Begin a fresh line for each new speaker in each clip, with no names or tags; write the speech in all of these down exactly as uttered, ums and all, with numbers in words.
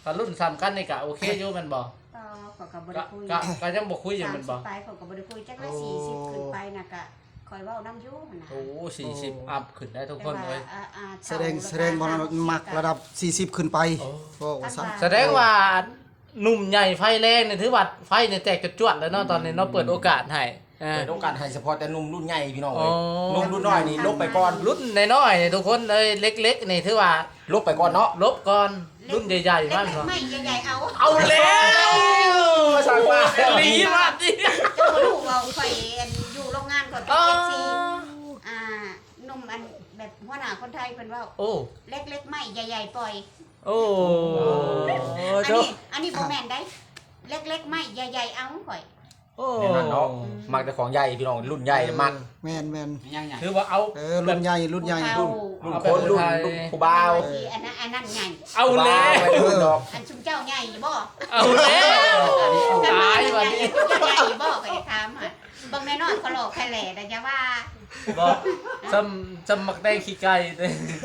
ถ้ารุ่นซ้ำกันนี่ก็โอเคอยู่แม่นบ่
ต่อขอยก็บ่ได้คุย
ก็ก็ยังบ่คุยอยู่แม่นบ่
สามสิบไปขอยก็บ่ได้คุยจักละสี่สิบขึ้นไปน่ะก็คอยเว้านำอยู่หั่นน่ะ
โอ้สี่สิบอัพขึ้นได้ทุกคนเลย
แต่ว่าอ่า
แสดงแสดงบ่มักระดับสี่สิบขึ้นไปก็ว่าซั่น
แสดงว่าหนุ่มใหญ่ไฟแรงนี่ถือว่าไฟนี่แตกจวดๆแล้วเนาะตอนนี้เนาะเปิดโอกาสให้อ่า
เปิดโอกาสให้เฉพาะแต่หนุ่มรุ่นใหญ่พี่น้อง
อ๋
เอ้
อ
ยหนุ่มรุ่นน้อยนี่ลบไปก่อน
รุ่นน้อยๆนี่ทุกคนเลยเล็กๆนี่ถือว่า
ลบไปก่อนเนาะ
ลบก่อนรุ่นใหญ่ๆมาก
เล็ก
เนาะ
ๆไม่ใหญ่ๆเอา
เอาแล้วสั่งมาลีมากดิ
เจ้าบ่รู้ว่าข่อยอันอยู่โรงงานก่อนเป็น เอฟ ซีอ่าหนุ่มอันแบบหัวหน้าคนไทยเพิ่นเว้า
โอ้
เล็กๆไม่ใหญ่ๆปล่อย
โอ้
อัน
เจ้า
นี้อันนี้บ่แม่นได้เล็กๆไม่ใหญ่ๆเอาข่อย
โอ้
เนี่ยนั่นเนาะมักแต่ของใหญ่พี่น้องรุ่นใหญ่มัก
แม่นแม่น
ถือว่าเอา
เออรุ่นใหญ่รุ่นใหญ่
ผู้
รุ่น
เฒ่า
คนรุ่นรุ่นผู้บ่าว
ที่อันนั้นอันนั้นใหญ่
เอาแล้ว
ไปรุ่นดอก
อันชุมเจ้าใหญ่บ่
เอาแล้วตาย
วั
วัน น
นี้
นี้
ชุมเจ้าใหญ่บ่ก็ได้ถามอ่ะเบิ่งแน่นอนเขาหลอกแค่แหล่แต่อย่าว่า
บอกจำจำมักได้ขี้ไก่เลย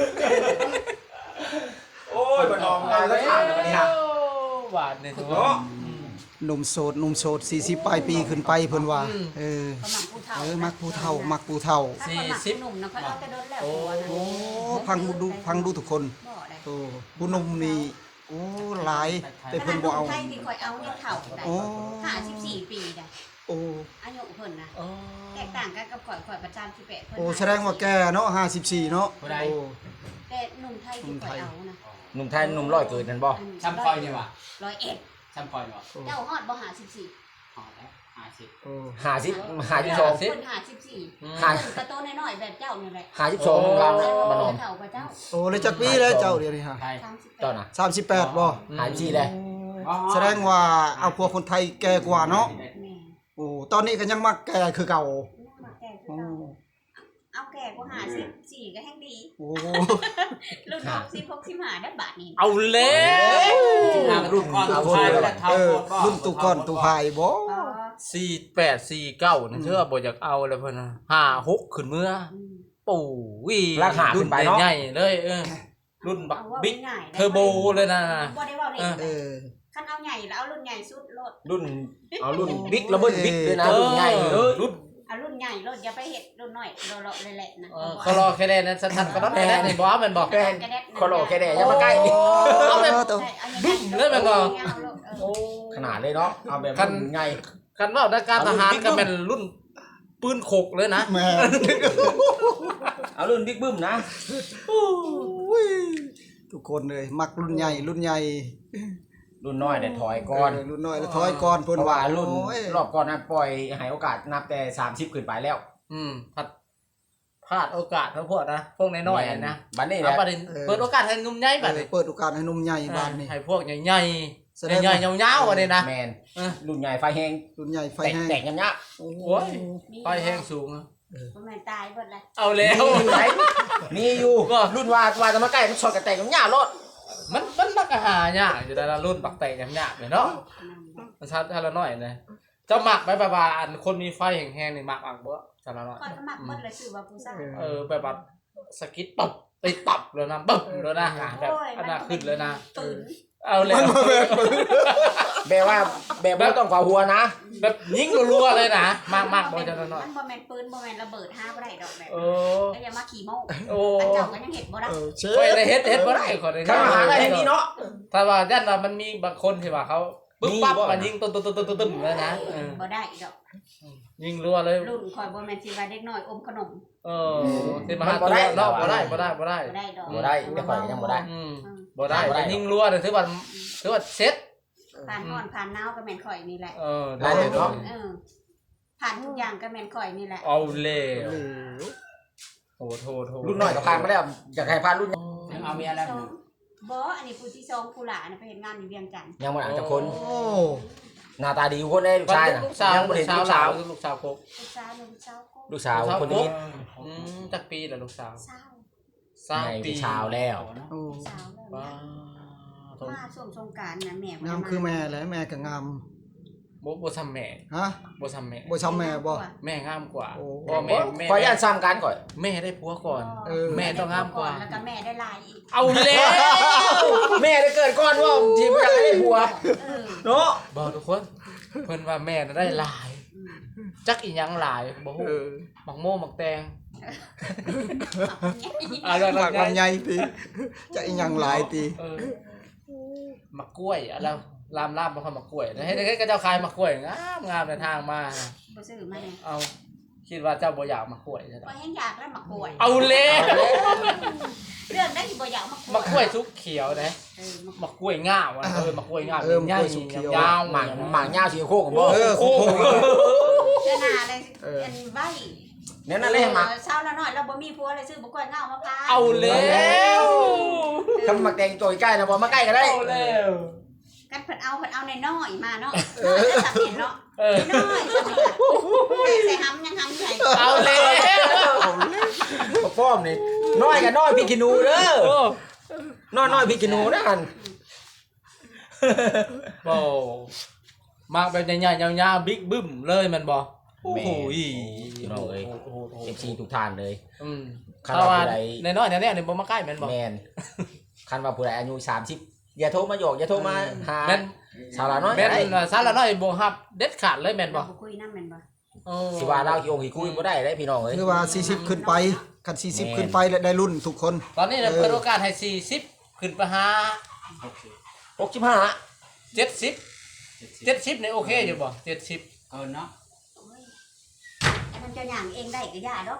โอ้ยบ่น้องงานก็ทานแล้วบัดนี้ฮะ
หวานเนี่ยทุกคน
เนาะ
หนุ่มโสดหนุ่มโสดสี่สิบปลายปีขึ้นไปเพิ่นว่าเออ
เขามักผู้เฒ่า
เออมักผู้เฒ่ามักผู้เฒ่า
ถ้าเขามักผู้หนุ่มนะเขาเอาแต่โดนแล้วผัวนะ
โอ้พังดูพังดูทุกคน
บ่ได้
โอ้ผู้หนุ่มนี่โอ้หลายแต่เพิ่นบ่เอา
ไทยที่ข่อยเอาเนี่ยเฒ่าได้
โอ้
ห้าสิบสี่ปีได้
โอ้
อายุเพิ่นนะ
อ๋อ
แตกต่างกันกับข่อยข่อยประจำสิบแปดเพิ่น
โอ้แสดงว่าแกเนาะห้าสิบสี่เนาะโอ้
แต่หนุ่มไทยที่ข่อยเอานะ
หนุ่มไทยหนุ่มร้อยเกิดนั่นบ่
ซ้ำคอยนี่วะ
ร้อยเอ็ด
ซ้ำคอยนี่วะ
เจ้าฮอดบ่ห้าสิบสี่
หอแล้วห้าสิบ
โอ้
หาสิบหาสิบสอง
เพิ่นห้าสิบสี่
หา
เพิ่นกระโตน้อยๆแบบเจ้านี่แหละ
หาสิบสองของเราบ่น้อง
เฒ่ากว่าเจ้า
โอ้เลยจักปีแล้วเจ้าเดี๋ยวนี้ฮะ
ไทย
สามสิบแป
เจ้า
ด
น่ะ
สามสิบแปดบ่
หาสิบสี่เลย
แสดงว่าเอาพวกคนไทยแก่กว่าเนาะ
แม่
โอ้ตอนนี้ก็ยังมักแก่คือเก่า
มาแก่คือ
โอ้
เก่าเอาแก่กว่าห้าสิบสี่ก็แห้งดี
โอ้
รุ่นหกสิบหกสิบห้าได้บาทนี่
เอาแล้ว
ทางรุ่นก่อนเอาไทยแล้วเท่า
เออ
โคตรบ่
รุ่นตุก่อนตุพายบ่
อ๋อ
สี่แปดสี่เก้านี่เชื่อบ่อยากเอาเลยเพิ่นนะห้าหกขึ้นเมื่อ
อืม
ปู่วิ
ราคาขึ้
รุ่
น
น
ไปเนาะ
ใหญ่ๆเลยเออรุ่นบัก
เอาว่า
บิ๊ก
ง่ายๆได้
เทอร์โบเลยนะ
บ่ได้ว่าเล็ก
เออ
คันเอาใหญ่แล้วเอารุ่นใหญ่สุดโลด
รุ่นเอารุ่นบิ๊กระเบิดบิ๊กด้วยนะรุ่นใหญ่
เออรุ่น
เอารุ่นใหญ่โลดอย่าไปเฮ็ดรุ่นน้อยโลดๆเลยแหละนะ
เออเขารอแค่แดนนั้นสั้นๆก็ต้องแค่แดนนี่บ่ว่าแมันบอก
แกนคอโลแกแดอย่ามาใกล้
เอาแบบ
ตัว
ใช่อา
บึ้มเลยแม่นบ่
เอาโลดเออ
โอ้
ขนาดเลยเนาะเอาแบบ
คัน
รุ่นใหญ่
คันว่านักการทหารก็เป็นรุ่นปืนขกเลยนะ
แม่
เอารุ่นบิ๊กบึ้มนะ
ทุกคนเลยมักรุ่นใหญ่รุ่นใหญ่
รุ่นน้อยเนี่ยถอยก่อน
เรุ่นน้อยแล้วถอยก่อน
เพ
เพิ่น
ราะ
ว่า
ว่ารุ่น
โอ้ย
รอบก่อนนั้นปล่อยให้โอกาสนับแต่สามสิบขึ้นไปแล้ว
อืมพัดพลาดโอกาสทั้งพวกนะพวกน้อยๆนะ
บัดนี้แห
เอา
ละ
ประเด็นเปิดโอกาสให้หนุ่มใหญ่บัดนี้
เปิดโอกาสให้หนุ่มใหญ่บ้านนี่
ให้พวกใหญ่
แสดง
ๆใหญ่
ว่า
ๆยาวๆอันนี้นะ
แมน
เออ
รุ่นใหญ่ไฟแห้ง
รุ่นใหญ่ไฟ
แตก
แห้ง
แตกยับยับ
โอ้
โอ้ย
มี
ไฟแห้งสูงอะ
บ่แม่นตายเบิดเลย
เอาแล้ว
มีอยู่รุ่นว่าว่าจะมาใกล้มันชนกับแตกยับยับรถ
มันมันมักอาหารยากอยู่แต่ละรุ่นปักแตกยากๆเลยเนาะมันชัดทีละน้อยเลยเจ้าหมักไปแบบว่าอันคนมีไฟแห้งๆนี่หมักอักบ่ทีละน้อย
ข่อยก็มักเบิดเลยชื่อว่าผู้สร้าง
เออแบบว่าสกิดปับไปปับเลยนะปับเลยนะแบบอันน่ะขึ้นเลยนะ
ปืน
เอาแล้ว
แบบว่าแบบว่าต้องฝ่าหัวนะ
แบบยิงรัวๆเลยนะมากมากๆบ่จะน้อย
มันบ่แม่นปืนบ่แม่นระเบิดห้าบ่ได้ดอกแบบ
ๆโอ้
แล้วอย่ามาขี่โม้
โอ้
อันเจ้าก็ยังเฮ็ดบ่ได้
เออเช
คอย
ฟ
ได้เฮ็ดเฮ็ดบ่ได้ขอได้
ข้ามาหาได้แค่นี้เนาะ
ถ้าว่าย่านว่ามันมีบางคนที่ว่าเขาปึ๊บ
มี
ปั๊บ
บ่
มายิงตุ้นๆๆๆๆเลยนะเออ
บ่ได้ดอก
ยิงรัวเลย
รุ่นข่อยบ่แม่นสิว่าเด็กน้อยอมขนม
เออที่มาหาตัวเนาะบ่ได้บ่ได้บ่ได้
บ่ได้ดอก
บ่ได้แต่ข่อยยังบ่ได้
อืม
อืม
บ่ได้
บ่ได้
แต่ยิงรัวเนี่ยถือว่าถือว่าเซ็ต
ผ่านร้อนผ่านหนาวก็แม่นข่อยนี่แหละ
เออ
ได้เลยเนาะ
เออผ่านทุกอย่างก็แม่นข่อยนี่แหละ
เอาเลย
เหลว
โหโทโท
รุ่นน้อยก็ผ่านมาแล้วอยากให้ผ่านรุ่น
เอาเมียแล้ว
สองบ่อันนี้ผู้ที่สองผู้หลานน่ะไปเฮ็ดงานอยู่เวียงจันทน์
ยังบ่อ่านจากคน
โอ้
หน้าตาดีคนได้ลูกชายน่ะ
ลูกสาว
ยังบ่
ลู
เห็
ก
น
สาว
ลูก
สา
สาว ว
ลูกสาวโคก
ลูกสาวลูกสาวก็
ลูกสาวคนนี้
อืมจักปีละลูกสาว
สาว
สาม
ใน
ปี
ชาวแล้ว
โอ้
สาวแล้ว
ว้า
มาช่วงสงกรานต์น่ะแม่บ่ได้
งามคือแม่แหละแม่ก็งาม
บ่บ่ซ้ำแม่
ฮะ
บ่ซ้ำแม่
บ่ซ้ำแม่บ่
แม่งามกว่า
โอ้
เพราะแม่แม่
ขออนุญาตซ้ำกันก่อน
แม่ได้ผัวก่อน
เออ
แม่ต้องงามกว่า
แล้วก็แม่ได้ลายอีก
เอาแล้ว
แม่ได้เกิดก่อนว่าทีมอยากได้ผัว
เออ
เนาะ
บอกทุกคนเพิ่นว่าแม่น่ะได้หลาย จักอีหยังหลายบ่ฮู้
เออ
มักโม่มักแตงอ่าเรื่อง
หมาก
ลำ
ลำ
ไย
ไยติจะอีหยังหลายติ
เออมักกล้วยอะแล้วลามลามบ่ค่อยมักกล้วยให้ให้ก็เจ้าขายมักกล้วยงามงามในทางมา
บ่ซื้อมาเนี่ย
เอาคิดว่าเจ้าบ่อยากมักกล้วยใช่ไหม
ก็ยังอยากแล้วมาป่วย
เอาแล้ว
เรื่องได้ที่บ่อยากมาป่วย
มักกล้วยสุกเขียวนะ
เออมา
มักกล้วยง่าวอะเออมักกล้วยง่าว
เออมักกล้วยสุกเขียว
ยาว
หมากหมากยาวสีโคกของบ่
เออโคโค
เจ้าหน้าอะไร
เออ
อันไว้
เนี่ยนั่นแหละหมาก
เช้าละหน่อยเราบ่มีผัวเลยซื้อบ่กล้วยเงามะพร้าว
เอาแล้ว
คำหมากแดงตัวใกล้นะบ่มาใกล้ก็ได้
เอาแล้ว
กันเพิ่นเอาเพิ่นเอาในน้อยมาเนาะน้อยจะสับเห็นเนาะ
เออ
น้อยสับเห็นใส่หำยังหำใหญ่
เอาแล้ว
บ่ฟ้อมนี่น้อยกับน้อยพี่กินูเด้อ
โอ้
น้อยน้อยพี่กินูนะอัน
โบ่มักแบบใหญ่ๆยาวๆบิ๊กบึ้มเลยแมันบ่โอ้โหอี
พี่น้องเอ้ย
โอ้โหโอ้โห
เอฟซีทุกท่านเลย
อืม
คัน
ถ้า
ว่า
ว่า
ผู้ใด
น้อยๆแน่ๆนี่บ่มาใกล้แม่นบ่
แมนคันว่าผู้ใดอายุสามสิบอย่าโทรมาหยอกอย่าโทรมาหา
แม่น
สาวละน้อย
แม่น
ได้
ว่าสารน้อยบ่ฮับเด็ดขาดเลยแม่นบ่
บ่คุยนำแม่นบ่
โอ้
สิว่าเรากี่องค์กี่คุยบ่ได้ได้พี่น้องเอ้ย
คือว่าสี่สิบขึ้นไปคันสี่สิบขึ้นไปแล้วได้รุ่นทุกคน
ตอนนี้เนี่ยเปิดโอกาสให้สี่สิบขึ้นไปหา
หกสิบห้า
เจ็ดสิบ เจ็ดสิบนี่โอเคอยู่บ่เจ็ดสิบ
เกินเนาะ
โอ้ยอันนั้นเจะย่างเองได้ก็ย่าดอก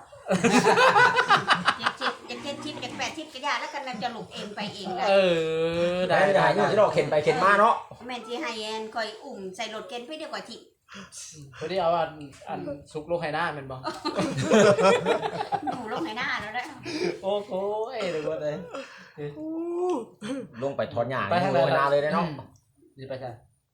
เจ็ดสิบเจ็ดสิบเจ็ดแปดสิบก็ย่าแล้วกันจะลุกเองไปเองได้
เออ
ได้
ได้
ได้
ได้
อยู่ที่เราเข็นไปเข็นมาเนาะ
แม่นสิให้แอนคอยอุ้มใส่รถเข็นไปเดียวกว่าที่
พอดีเอาอันอันสุกลงให้หน้าแม่นบ่
หนูลงให้หน้าแล้วได้
โอ้โหเอ้ยเดี๋ยวก่อนเลย
ลงไปถอนหญ้า
ไปทางไหน
โรยนาเลยได้เนาะ
สิไปใช่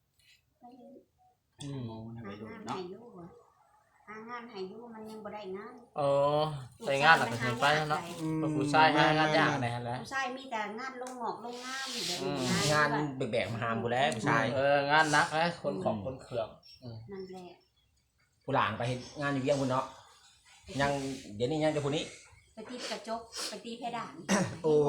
อืม
โอ้ให้
หา
ไปดู
งาน
เนาะ
ให้อยู่อะหางานให้อยู่มันยังบ่ได้งาน
เออไปงานหลังจากนี้ไปแล้วเนาะ
อืม
ผู้ชายหางานยากแน่แหละ
ผู้ชายมีแต่งานลงหงอกลงงามแบบ
อืม
งานแบกๆมาหามกูแล้วผู้ชาย
เอองานหนักนะคนของคนเครื่อง
นั่นแหละ
ผู้หลางไปเฮ็ดงานอยู่เวียงพุ่นเนาะยังเดี๋ยวนี้ยังจะผู้นี้
ไปตีกระจกไปตีเพดาน
โอ้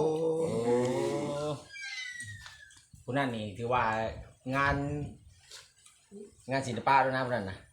ผู้นั่นนี่ถือว่างาน งานศิลปะด้วยนะผู้นั้นนะ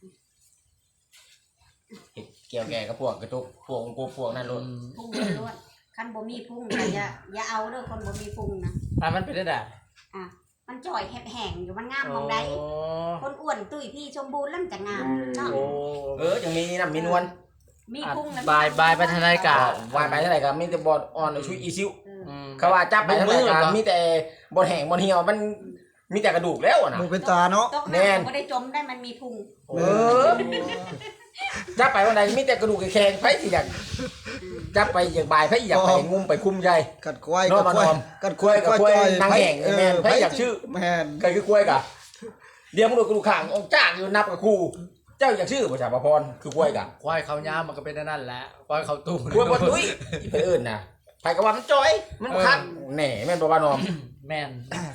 เฮ็ดเกี่ยวแก่กับพวกกระจกพวกองค์พวกนั้นโลด
พุ่งล้วนๆคันบ่มีพุ่งก็อย่าอย่าเอาเด้อคนบ่มีพุ่งนะ
อ่ะมันเป็นได้ด่า
อ่ะมันจ่อยแห้งๆอยู่มันงามมองใดคนอ้วนตุ้ยพี่สมบูรณ์แล้วมันจะงามเนาะ
โอ้
เออยังมีน้ำมีนวล
มีพุ่งนะ
บายบายไปทนายกา
วายไปเท่าไหร่ก็มีแต่บอดอ่อนชุยอีซิว
เออ
อืม
เขาว่าจับไปเท่าไหร่
มือ
ก็
เหรอ
มีแต่บอดแห้งบอดเหี่ยวมันมีแต่กระดูกแล้วอะนะ
บ่เป็นตาเนาะ
ตก
แน่น
น้ำก็ได้จมได้มันมีพุง
เออจับไปวันไหนมีแต่กระดูกแข็งๆไผสิอยากจับไปอย่างบายไผอยากไปงุ้มไปคุ้มใจ
กัดควาย
นอ
กัน ด
มา
ควาย
นอน
กัด
กล้วยกับกล้วยนางแห่งแม่นไผอยากชื่อ
แม่น
ใครคือกล้วยกะเดี๋ยวมึงดูกระดูกข้างออกจากอยู่นับกับครูเจ้าอยากชื่อประชาประพรคือกล้วยกะ
ควายเขายามมันก็เป็นนั่นแหละควายเขาตุ้ม
กล้วยบนตุ้ยอีไปเอื่นนะไปกับว่ามันจอยมันคักแหน่แม่นบ่ว่านอม
แม่น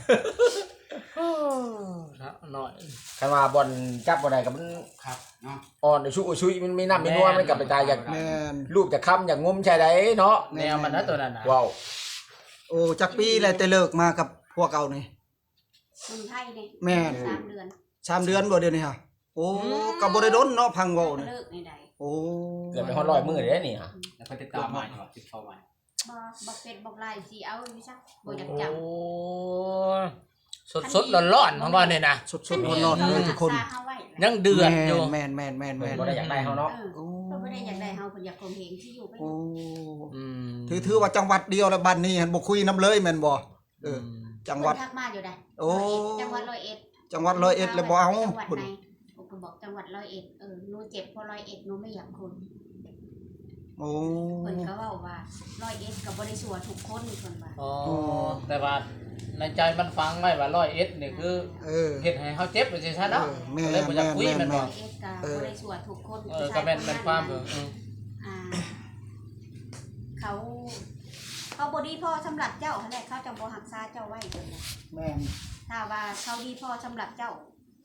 หน่อย
คันว่าบอลจับบอลใดกับมัน
ครับเนาะ
อ่อนชุยชุยมันมีน้ำมีนัวมันกลับไปตายอยาก
แม่น
รูปจากคำอยากงมใช่ไดเนาะ
แนวมันนะตัวนั้นนะ
ว้าว
โอ้จักปีแล้วแต่เลิกมากับพวกเอานี่
คนไทยเนี่ย
แม่น
สามเดือน
สามเดือนบ่เดี๋ยวนี้ฮะโอ้ก็บ่ได้ดนเนาะพังเว้านี่
เลิกในใด
โอ้
เกือบไปฮอดร้อยมือเลยนี่ฮะ
แล้วก็ติดตามใหม่เนาะติดเข้าใหม่
บ่บ่เป็ดบ่ลายสิเอาอีซักบ่อยาก
โอ้
จับ
สดสดร้อนร้อนๆของเราเนี่ยนะ
สดๆร้อนๆเลยทุกคน
ซาเฮาไว้
ยังเดือดอยู่
แม่นแม่นแม่นแม่น
บ่ได้อยากได้เฮาเนาะ
เออ
โอ้
เพิ่นบ่ได้อยากได้เฮาเพิ่นอยากข่มเหงที่อยู่ไป
โอ้
อืม
ถือถือว่าจังหวัดเดียวแล้วบ้านนี้หันบ่คุยน้ำเลยแม่นบ่เออ จังหวัด
เพิ่นทักมาอยู่ได้
โอ้
จังหวัดร้อยเอ็ด
จังหวัดร้อยเอ็ดเลยบ่เอา
จังหวัด
พุ่น
ไหนผมก็บอกจังหวัดร้อยเอ็ดเออหนูเจ็บเพราะร้อยเอ็ดหนูไม่อยากคน
โอ้
เพิ่นก็เว้าว่าร้อยเอ็ดก็บ่ได้สัวทุกคนเพิ่นว่า
อ๋อแต่ว่าในใจมันฟังไว้ว่าร้อยเอ็ดนี่คือ
เออ
เฮ็ดให้เฮาเจ็บไปสิซะเนาะ
เออแม่
เลยบ่อยากคุย
แม่
แม่น
แม่
บ่
ร้อยเอ็ดก็บ่ได้สัวทุกคน
เออก็แม่นเป็นความเอออืม
อ่าเขาเขาบ่ดีพอสำหรับเจ้าหั่นแหละเขาจะบ่รักษาเจ้าไว้เพิ่นว่า
แม่น
ถ้าว่าเขาดีพอสำหรับเจ้า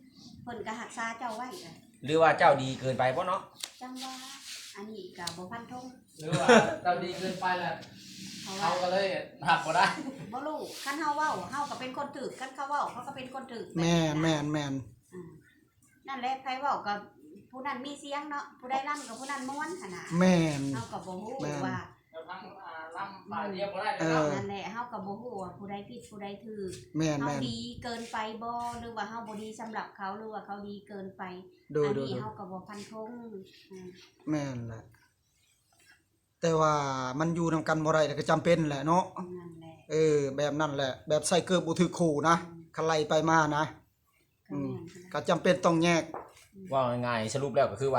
เพิ่นก็รักษาเจ้าไว้ก็
หรือว่าเจ้าดีเกินไปบ่เนาะ
จังว่าอันนี้ก็บ่ฟันธง
หรือว่าเราดีเกินไปแหละ
เพราะ
เขา
ว่า
ก็เลยหักบ่ได้
บ่รู้คันเฮาเว้าเฮาก็เป็นคนถูกคันเขาเว้าเขาก็เป็นคนถูก
แม่นแม่นแม่น
อ่านั่นแหละไผเว้าก็ผู้นั้นมีเสียงเนาะผู้ใดร่ำก็ผู้นั้นม่วนหั่นน่ะ
แม่น
เฮาก็บ่ฮู้
แม่น
ว่า
เราทั้งอ่าลำป่าเดียวบ่ได้
เอ
เนาะ
อ
นั่นแหละเฮาก็บ่ฮู้ว่าผู้ใดผิดผู้ใดถูก
แม่น
เฮา
แม่น
ดีเกินไปบ่หรือว่าเฮาบ่ดีสำหรับเขาหรือว่าเขาดีเกินไป
ดู
อัน
ดู
นี้
ดู
เฮาก็บ่ฟันธงอ่า
แม่นแหละแต่ว่ามันอยู่นำกันบ่ได้ก็จำเป็นแหละเนาะ
นั่นแหละ
เออแบบนั้นแหละ แบบใส่เกือบบ่ถือคู่นะคันไล่ไปมานะ
ก็
อืม
แม่น
ก็จำเป็นต้องแยก
ว่าง่ายๆสรุปแล้วก็คือว่า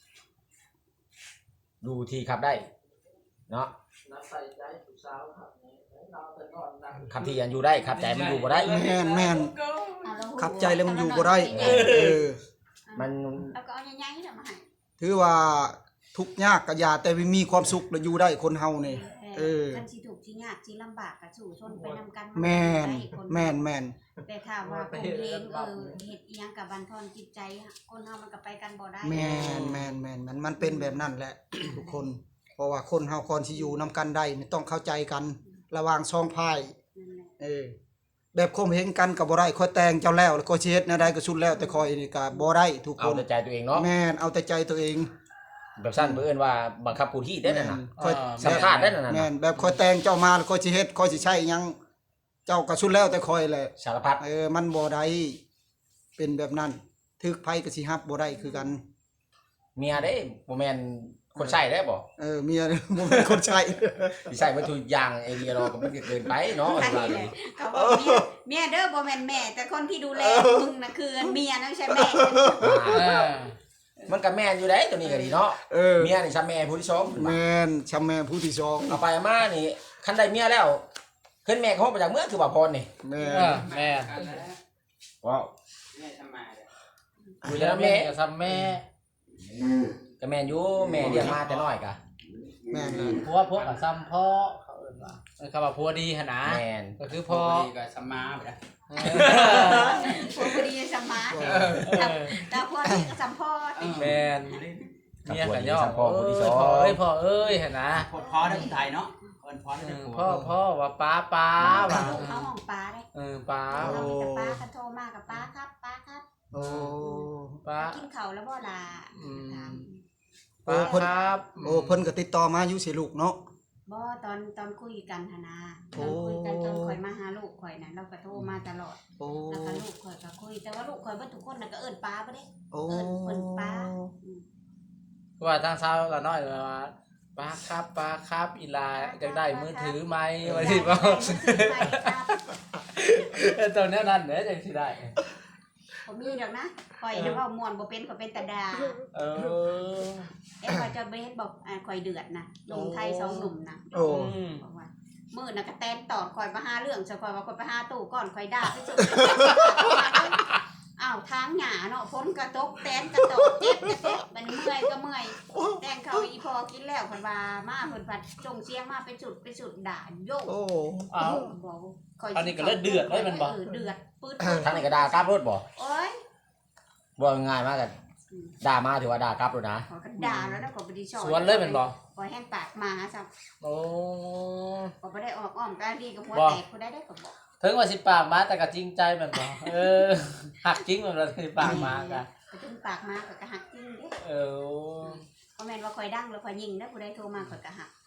ดูที่ขับได้ เนาะ
นับใส่ใจผู้สาวครับนี่เราแต่ก่อนนะ
ขับที่ยังอยู่ได้ขับใจมันอยู่บ่ได้
แม่นแม่น
อ่ะเราฮู้
ขับใจแล้วมันอยู่บ่ได้
เอ
เอ
อ
อ
มัน
แล้วก็เอาใหญ่ๆน่ะมาให้
ถือว่าทุกข์ยากก็อย่าแต่มีความสุขแล้วอยู่ได้คนเฮานี่ เออ
คันสิถูกข์สิยากสิลำบากก็สู้ชนไปนำกัน
แม่น
ได้คน
แม่นแม่น
แต่ถ้าว่าคนเองเออเฮ็ดอีหยังกับบันทอนจิตใจคนเฮามันก็ไปกันบ่ได้
แม่นแม่นแม่นมันมันเป็นแบบนั้นแหละ ทุกคน เพราะว่าคนเฮาก่อนสิอยู่นํกันได้นี่ต้องเข้าใจกัน ระหว่างสองพาย
นั่นแหละ
เออ แบบคมเห็นกันก็บ่ได้ค่อยแต่งเจ้าแล้วแล้วก็สิเฮ็ดแนวใดก็สุดแล้วแต่คอยนี่ก็บ่ได้ทุกค
เอา
น
แต่ใจตัวเองเนาะ
แม่นเอาแต่ใจตัวเอง
แบบสั้นเพื่อนว่าบังคับผู้ที่ได้นั่นน่ะ
ค่อย
สัมภาษณ์ได้นั่นน่ะ
แม่นแบบคอยแต่งเจ้ามาแล้วก็สิเฮ็ดคอยสิใช้หยังเจ้าก็สุดแล้วแต่คอยแหละ
สารพัด
เออ มันบ่ได้เป็นแบบนั้นทึกไผก็สิฮับบ่ได้คือกัน
เมียได้บ่แม่นคนใช้ได้บ่
เออเมีย บ่เป็นคนใช้
สิใช้วัตถุอย่างไอเดียเราก็มันก็เกินไปเนาะ
ใช่
ว่า
เล
เลย ย
เขาบอกเมียเมียเด้อบ่แม่นแม่ แต่คนที่ดูแลมึงน่ะคือเมียนะไม่ใช่แม่
เออ
มันก็แม่นอยู่ได้ตัวนี้ก็ดีเนาะ
เออ
เมียนี่ซ้ำแม่ผู้ที่สองขึ้นมา
แม่นชำแม่ผู้ที่สอง
เอาไปเอามานี่คันได้เมียแล้วขึ้นแม่เขาไปจากเมืองคือว่าพรนี่
แม่
เอน อแม่
ว้าว
แม่ทำมาเลย
อยู่
แล้
แล้ว
วแม่
แม่
กับซ้ำแม่
ก็แม่นอยู่แม่เลี้ยงมาแต่น้อยกะ
แม่นเลย
ผัวผัวกับซ้ำพ่อเขาเอิ้นว่าเออคำว่าผัวดีหั่นนะ
แม่น
ก็คือ
พ
พ่
อ
อ
ดีก็สมาไปแล้ว
เอ
พวกพอดีสมาร์ทแต่พวกนี้ก็สัมพอด
อแม่นเมียกับย่อ
พ่อผู้ที่สอง
พ่อเอ้ยพ่อเอ้ยหั่นนะ
พอพอได้คนไทยเนาะคนพอได้
เอ
คน
อ
ผัว
พ่อพ่อว่าป้าป้าว่า
ลูกเขาห้องป้าได้
เออป้า
เรามีแต่ป้าคันโทรมากับป้าครับป้าครับ
โอ้
ป้า
กินข้าวแล้วบ่ล่ะ
อืม
ถาม
ป้าครับ
โอ้เพิ่นก็ติดต่อมาอยู่สิลูกเนาะ
บ่ตอนตอนคุยกันหนนะต
โอ้
อนคุยกันตอนข่อยมาหาลูกข่อยน่ะเราก็โทรมาตลอด
โอ้
แล้วก็ลูกข่อยก็คุยแต่ว่าลูกข่อยเบ่ทุกคนน่ะก็เอิ้นป้าบ่ได้
โอ้
เอิ้นเพิ่นป้าอืม
ว่าทางเช้าละน้อยว่าป้าครับป้าครับอีลาจะได้มือถือไหมว่าสิบ่
ใช่ครับ
ตอนนี้นั่นเด้จังสิได้
ผมมีดอกนะข่อยน่ะเว้าม่วนบ่เป็นข่อยเป็นตาดา
เออ
เอ๊ะข่อยจะไปเฮ็ดบอกอ่าข่อยเดือดนะหนุ่มไทยสองหนุ่มนะ
โอ้
อืม
บอกว่ามื้อน่ะก็แตนตอดข่อยมาหาเรื่องซะข่อยว่าข่อยไปหาตู้ก่อนข่อยด่าไปสุด อ้าวทางหญ้าเนาะฝนกระตกแตนกระตกเจ็บกระเจ็บบัดนี้เมื่อยก็เมื่อยแตงเขาอีพอกินแล้วเพิ่นว่ามาเพิ่นผัดจงเสียงมาเป็นสุดเป็นสุดด่าโยก
โอ้
เอา
บอกข่อย
อันนี้ก็เลือดเดือดเลยมันบอก
เออเดือดปื๊ด
ทางนี้ก็ด่ากราบรถบ่
โอ๊ย
บ่ง่ายมากกันด่ามาถือว่าด่ากราบรถนะ
ข่อยก็ด่าแล้วนะข่อยบ่ได้ชอบ
สวนเลยแมันบอก
ข่อยแห้งปากหมาซะ
โอ้
ข่อยบ่ได้ออกอ้อมกลางดีกับหัว
บอก
แตกผู้ใดได้ก็บอก
ถึงว่าสิปากมาแต่ก็จริงใจแมันบอกเออหักจริงแมันบ่สิปากมากะ
ไปถึงปากมาข่อยก็หักจริงเด้
เออ
บ่แม่นว่าข่อยดังแล้วข่อยยิงนะผู้ใดโทรมาข่อยก็หัก